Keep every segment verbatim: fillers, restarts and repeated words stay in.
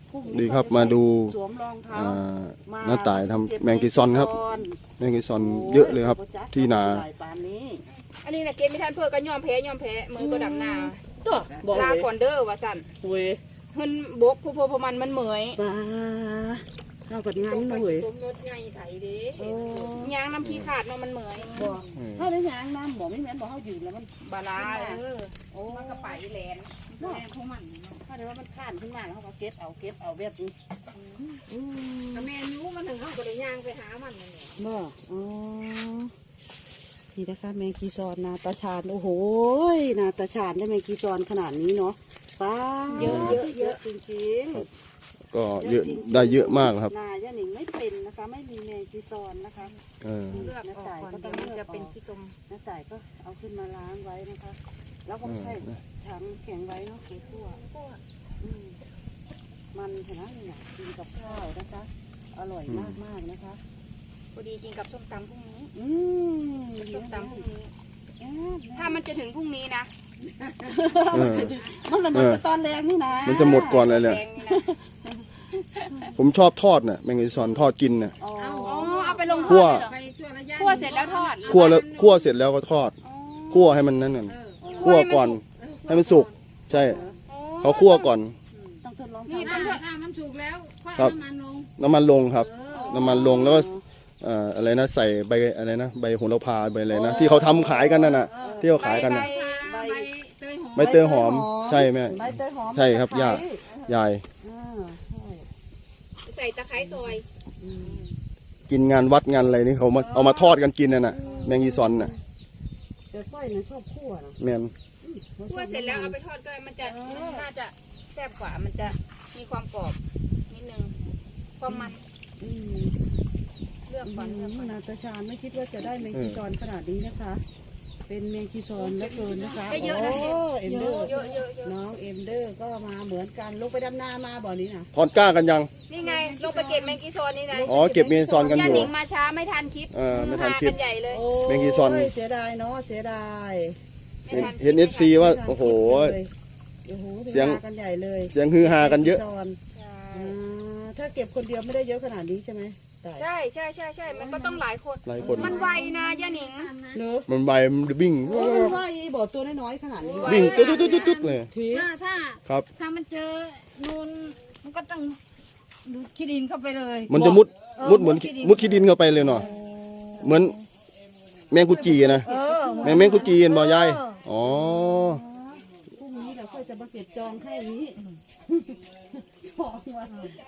ดีครับมาดูสวมรองเท้าหน้าต่ายทำแมงกีซอนครับแมงกีซอนเยอะเลยครับที่นาอันนี้นะเกมไม่ทันเพื่อก็ยอมแพ้ยอมแพ้มือก็ดำหน้าลาก่อนเด้อว่าสั่นเว้ยเฮินบกพอพอมันมันเหมยปลาเอากัดงั้นนะเว้ยรถไงไถเด้ยางน้ำขี้ขาดเนาะมันเหมยบอกเขาได้ยางน้ำบอกไม่แม่นบอกเขาอยู่แล้วมันบาลาเออโอ้มันก็ไปแลนแลนพวกมันถ้าเดี๋ยวว่ามันข้านขึ้นมาแล้วเขาก็เก็บเอาเก็บเอาแบบนี้แต่แม่ยูมันถึงเขาก็เลยยางไปหามันนี่บ่อ๋อนี่นะคะแมงกีซอนนาตาชาญโอ้โหนาตาชาญได้แมงกีซอนขนาดนี้เนาะป้าเยอะเยอะเยอะจริงๆก็เยอะได้เยอะมากครับนาย่าหนิงไม่เป็นนะคะไม่มีแมงกีซอนนะคะเลือกออกก่อนเดี๋ยวมันจะเป็นขี้ตมน้าต่ายก็เอาขึ้นมาล้างไว้นะคะแล้วก็ใส่ถังแข็งไว้เนาะคือคั่วมันเห็นไหมเนี่ยกินกับข้าวนะคะอร่อยมากมากนะคะพอดีกินกับส้มตำพรุ่งนี้ส้มตำพรุ่งนี้ถ้ามันจะถึงพรุ่งนี้นะมันละหมดตอนแรงนี่นะมันจะหมดก่อนเลยเนี่ยผมชอบทอดน่ะแมงกีซอนทอดกินน่ะอ๋อเอาไปลงทอดคั่วเสร็จแล้วทอดคั่วแล้วคั่วเสร็จแล้วก็ทอดคั่วให้มันนั่นน่ะคั่วก่อนให้มันสุกใช่เขาคั่วก่อนต้องทดลองนี่ถ้ามันสุกแล้วครับน้ำมันลงครับน้ำมันลงแล้วก็อะไรนะใส่ใบอะไรนะใบโหระพาใบอะไรนะที่เขาทำขายกันนั่นน่ะที่เขาขายกันน่ะใบเตยหอมใช่ไหมใช่ครับย่ายายใส่ตะไคร้ซอยกินงานวัดงานอะไรนี่เขามาเอามาทอดกันกินน่ะแมงกีซอนน่ะแต่ก้อยเนี่ยชอบคั่วนะแมนคั่วเสร็จแล้วเอาไปทอดก็มันจะน่าจะแซ่บกว่ามันจะมีความกรอบนิดนึงความมันเลือกก่อนนาตาชาญไม่คิดว่าจะได้แมงกีซอนขนาดนี้นะคะเป็นแมงกีซอนแล้วเกินนะคะเยอะนะเอ็มเดอร์น้องเอ็มเดอร์ก็มาเหมือนกันลงไปดำนามาบ่อนี้นะถอนก้ากันยังนี่ไงลงไปเก็บแมงกีซอนนี่ไงอ๋อเก็บแมงกีซอนกันอยู่ย่าหนิงมาช้าไม่ทันคลิปเออไม่ทันคลิปใหญ่เลยแมงกีซอนเสียดายเนาะเสียดายเห็นเอฟซีว่าโอ้โหเสียงกันใหญ่เลยเสียงฮือฮากันเยอะถ้าเก็บคนเดียวไม่ได้เยอะขนาดนี้ใช่ไหมใช่ใช่ใช่ใช่มันก็ต้องหลายคนหลายคนมันไวนะย่าหนิงเนอะมันไวมันวิ่งมันไวบ่อตัวน้อยๆขนาดนี้วิ่งตุ๊ดตุ๊ดตุ๊ดตุ๊ดเลยถ้าถ้าครับถ้ามันเจอนูนมันก็ต้องดูขี้ดินเข้าไปเลยมันจะมุดมุดเหมือนมุดขี้ดินเข้าไปเลยเนาะเหมือนแมงกุจีนะแมงแมงกุจีเห็นบ่ยายอ๋อพรุ่งนี้เราค่อยจะมาเก็บจองแค่นี้จองไว้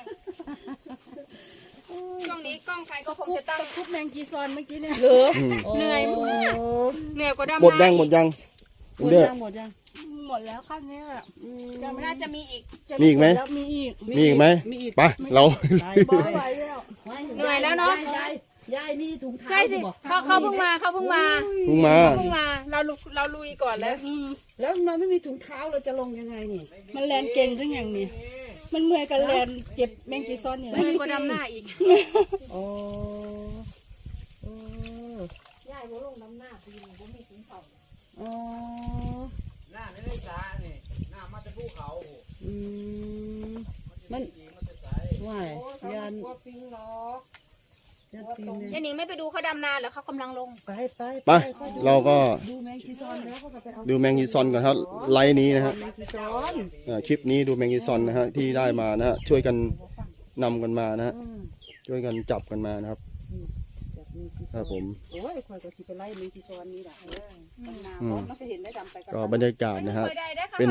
ช่วงนี้กล้องใครก็คงจะตั้งคุบแมงกีซอนเมื่อกี้เนี่ยเหนื่อยเหนื่อยกว่าดำหมดยังหมดยังหมดยังหมดยังหมดแล้วขั้นนี้จะไม่น่าจะมีอีกมีอีกไหมมีอีกมีอีกไหมไปเราเหนื่อยแล้วเนาะยายนี่ถุงเท้าใช่สิเขาเขาเพิ่งมาเขาเพิ่งมาเพิ่งมาเพิ่งมาเราเราลุยก่อนแล้วแล้วเราไม่มีถุงเท้าเราจะลงยังไงนี่มันแลนเก่งหรือยังนี่มันเมื่อยกันแลนเก็บแมงกีซอนนี่เมื่อยกว่าดำหน้าอีกโอ้โอ้ยายโบลงดำหน้าปีนี้โบมีถุงเท้าอ๋อหน้าไม่ได้จ้านี่หน้ามาจะภูเขาอืมมันว่ายยันยันนี่ไม่ไปดูเขาดำนาเหรอเขากำลังลงไปไปไปเราก็ดูแมงกีซอนแล้วก็ไปเอาดูแมงกีซอนก่อนครับไลน์นี้นะฮะคลิปนี้ดูแมงกีซอนนะฮะที่ได้มานะฮะช่วยกันนำกันมานะฮะช่วยกันจับกันมานะครับครับผมโอ้ยคอยก็สิไปไล่แมงกีซอนนี่แหละก็บรรยากาศนะฮะเป็น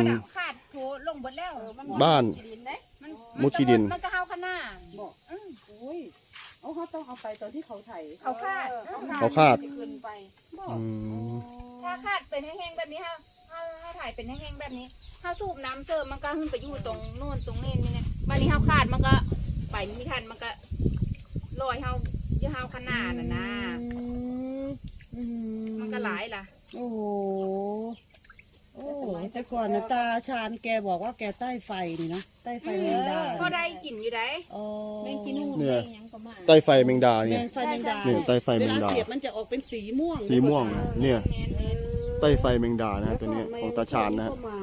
บ้านมุชีดินมันก็เฮาขนาดบอกโอ้ยเอาเขาต้องเอาไปตอนที่เขาไถเขาคาดเขาคาดขึ้นไปถ้าคาดเป็นแห้งๆแบบนี้ฮะถ้าถ้าถ่ายเป็นแห้งๆแบบนี้ถ้าสูบน้ำเสริมมันก็ขึ้นไปอยู่ตรงโน่นตรงนี้นี่ไงวันนี้เฮาคาดมันก็ไปไม่ทันมันก็ลอยเฮาเยอะเฮาขนาดน่ะนะมันก็หลายล่ะโอ้โหโอ้แต่ก่อนนะตาชาญแกบอกว่าแกใต้ไฟนี่นะใต้ไฟแมงดาก็ได้กลิ่นอยู่ได้แมงกินูเนี่ยใต้ไฟแมงดาเนี่ยเนี่ยใต้ไฟแมงดาเสียบมันจะออกเป็นสีม่วงสีม่วงเนี่ยใต้ไฟแมงดานะฮะตัวนี้ของตาชาญนะฮะ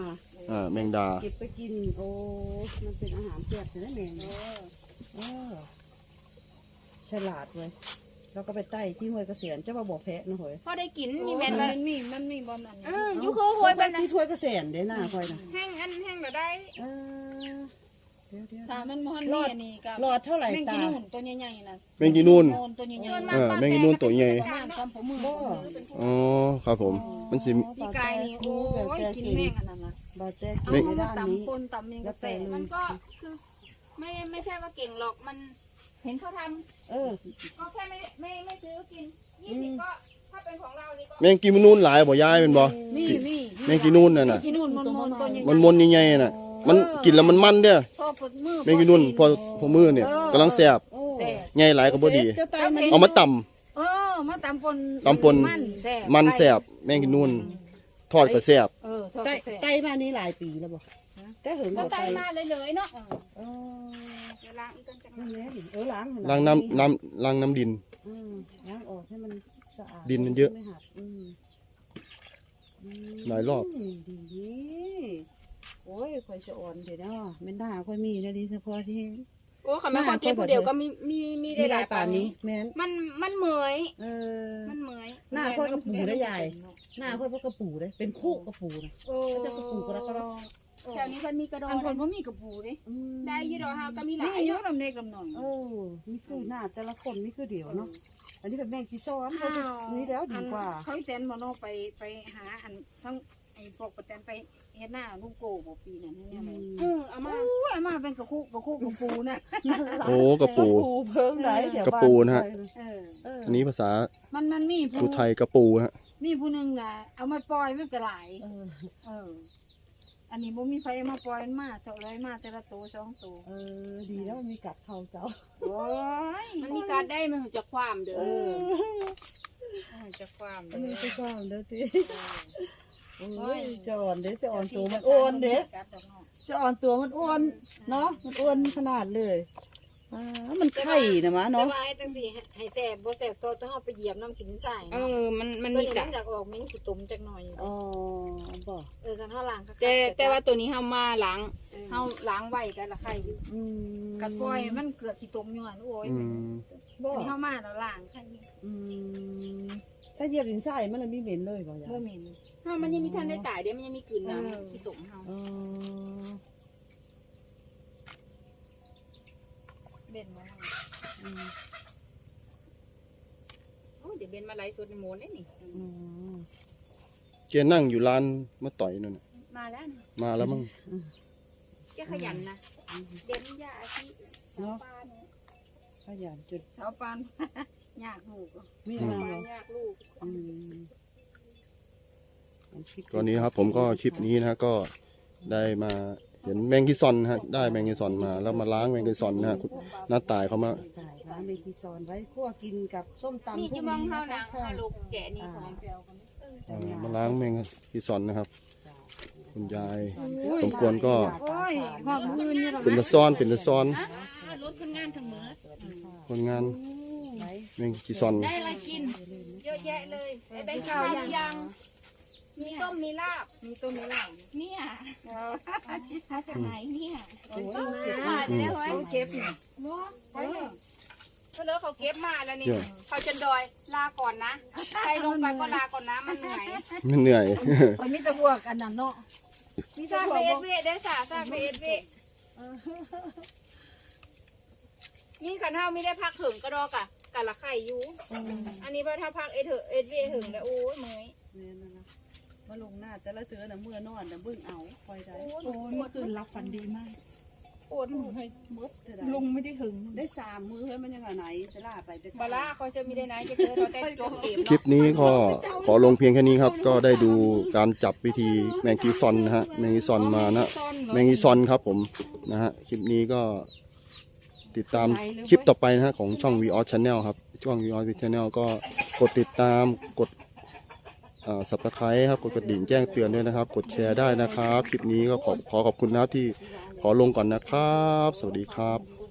อ่าแมงดาเก็บไปกินโอ้มันเป็นอาหารแซ่บนะแมงเออฉลาดเว้ยแล้วก็ไปไต่ที่ห้วยเกษียณเจ้ามาบอกแพะนะเฮ้ยพอได้กินมีแม่นมัเลยนมีมันมีบอมอันเอนี้ออยู่คือโหยไปนะที่ห้วยเกษียณเด้หน้าคอยนะแห้งอันแห้งก็ได้เออเดี๋ยวเดี๋ยวถ้ามันมันมีอันนี้กับหลอดเท่าไหร่แมงตากินู่นตัวใหญ่ๆน่ะแมงกีนูนโอนตัวใหญ่ชวนๆมาเออแมงอีนูนตัวใหญ่ประมาณสามผมมือบ่อ๋อครับผมมันสิพี่กายนี่โอ้ยกินแมงอันนั้นน่ะบาแจ๊เอากินมาในด้านนี้ตำปนตำเมงกาแฟแล้วแต่มันก็คือไม่ได้ไม่ใช่ว่าเก่งหรอกมันเห็นเขาทเออำก็แค่ไม่ไม่ไม่ซื้อกินยี่สิบก็ถ้าเป็นของเรานี่ก็แมงกีนูนหลายบ่ยายเป็นบ่มีมีแมงกีนูนน่ะน่ะกินนู่นมันมนตัวใหญ่ๆมันมนใหญ่ๆน่ะ มันกินแล้วมันมันเด้อพอปวดมือแมงกีนูนพอพอมือเนี่ยกำลังแซ่บโอ้แซ่บใหญ่หลายก็บ่ดีเจ้าไตมันเอามาตำเออมาตำปนตำปนมันแซ่บมันแซ่บแมงกีนูนทอดก็แซ่บเออทอดไตแซ่บไตมานี่หลายปีแล้วบ่แต่เหิงแล้วบ่ไตไตมาเลยเลยๆเนาะเออเดี๋ยวล้างอีกกันจังนั่นแหละนี่เออล้างล้างน้ำน้ำล้างน้ำดินอืมล้างออกให้มันสะอาดดินมันเยอะไม่หักอืมอืมหลายรอบดีดีโอ้ยข่อยสะอ่อนเดี๋ยวนะแม่นด่าข่อยมีนะดีเฉพาะที่โอ้ค่ะแม่คนเก็บผู้เดียวก็มีมีมีได้มีหหลาลาย ยป่าป่าน นนี้นี้แม่นมันมันเหมยเออมันเหมยหน้าค่อยกระปูได้ใหญ่ หน้าค่อยพวกกระปูเลยเป็นคู่กระปูนะโอ้เขาจะกระปูกระกระดองแถวนี้เพิ่นมีกระดออันงคนบ่มีกระปูเด้อืมได้อยี่ดอกเฮาก็มีหนี่ลายอายุเนาะลำเล็กลำน้อยเออนี่คือหน้าแต่ละคนนี่คือเดียวเนาะอันนี้เป็นแมงจีซ้อนเขาจะนี่แล้วดีกว่าอันเขาอีแตนบ่เนาะไปไปหาอันทั้งไอ้พวกประแตนไปเฮ็ดหน้าลุงโกบ่ปีนั้นเนี่ยเลยเออเอามาโอ้ยมาเป็นกระคุกกระคุกกระปูน่ะโอ้กระปูเพิ่มไหนเดี๋ยวกระปูนะฮะเออเอออันนี้ภาษามันมันมีภูผู้ไทยกระปูฮะมีผู้หนึงน่ะเอามาปล่อยมันก็หลายเออเออ อันนี้บ่มีไผเอามาปล่อยมันมาเท่าไรมาแต่ละตัวสองตัวเออดีแล้วมันมีกัดเขาเจ้าโอ้ยมันมีการได้มันจะความเด้อเออมันจะความอันนี้ไปก่อนเด้อทีโอ้โอ้ยยจะอ่อนเด้อจะอ่อนตัวมันอ้วนเด้อกัดดอกเนาะจะอ่อนตัวมันอ้วนเนาะมันอ้วนขนาดเลยอ่ามันไข่นะมะแต่เนาะว่าไอ้จังซี่ให้แซ่บบ่แซ่บตัวต้องเอาไปเหยียบน้ำกินใส่เออมันมันตัวมีนี้กะมันอยากออกเหม็นขี้ตุ่มจักหน่อยอ๋อบ่เออกันเฮาล้างก็แต่แต่ว่าตัวนี้เฮามาล้างเฮาล้างไว้กันละไข่อยู่อืมกัดปล่อยมันเกิดขี้ตุ่มอยู่หั่นโอ้ยอืมบ่อันนี้เฮามาแล้วล้างไข่อืมถ้าเหยียบดินทรายมันเลยมีเหม็นเลยบ่ยาบ่เหม็นเฮามันยังมีทันได้ตายเดี๋ยวมันยังมีกลืนเออน้ำที่ตุ่มเฮาอ๋อเบ็ดบ่ล่ะอืมโอ้เดี๋ยวเบนมาไล่สดในโมนได้นี่อืมแกนั่งอยู่ร้านมาต่อยนั่นน่ะมาแล้วนี่มาแล้วมั้งแกขยันนะเด่นยาอาชีสาวปานขยันจุดสาวปาน ยากลูกมีสาวมาปาเหรนอยากลูกอืมตอนนี้ครับผมก็คลิปนี้นะฮะก็ได้มาเห็นแมงกีซอนนะฮะได้แมงกีซอนมาแล้วมาล้างแมงกีซอนนะฮะคุณน้าตายเขามาถ่ายร้านเมกิซอนไว้คั่วกินกับส้มตำนี่จะมองเฮาหนังค่ะฮาลูกแกะนี่ของเปรี้ยวกันเอ่อมาล้างแมงกีซอนนะครับ คุณยายโอ้ยสมควรก็โอ้ยหอมมือนี่หรอเป็นตะซ้อนเป็นตะซ้อนรถคนงานทั้งมือสวัสดีค่ะคนงานไว้แมงกีซอนได้อะไรกิน เยอะแยะเลยได้ข้าวยัง มีต้มมีลาบมีต้นมีเหล้าเนี่ยเออมาจากไหนเนี่ยโอ้ยมาเดี๋ยวไว้เก็บนี่เนาะไปเลยก็เลยเขาเก็บมาแล้วนี่เยอะเขาจะดอยลาก่อนนะใครลงไปก็ลาก่อนนะมันเหนื่อยมันเหนื่อยมันมีแต่พวกอันนั้นเนาะมีซาเฟสเวได้สาซาเฟสเวนี่ขันเท้าไม่ได้พักถึงกระดอกอะกะละไข่อยู่ อันนี้พอถ้าพักเอเถอะเอสเวถึงแล้วโอ้ยเมยเนี่ยนะนะมาลงหน้าแต่ละเถือน่ะเมื่อนอนน่ะเบิ่งเอาคอยได้โอ้ยโอ้ยเมื่อคืนรับฝันดีมากปวดหัวมดเท่าใดลุงไม่ได้หึงได้สามมือเฮ้ยมันยังไงไหนสลาไปแต่บาร่าเขาจะมีได้ไหนจะเจอเราได้จบเกมคลิปเนาะนี้ก็ขอลงเพียงแค่นี้ครับ ก็ได้ดูการจับวิธีแมงกีซอนนะฮะแมงกีซอนมานะแมงกีซอนครับผมนะฮะคลิปนี้ก็ติดตามคลิปต่อไปนะฮะของช่อง วี ออส Channel ครับช่อง วี ออส Channel ก็กดติดตามกดเอ่อ Subscribe ครับกดกระดิ่งแจ้งเตือนด้วยนะครับ กดแชร์ได้นะครับ คลิปนี้ก็ขอขอขอบคุณนะครับที่ขอลงก่อนนะครับ สวัสดีครับ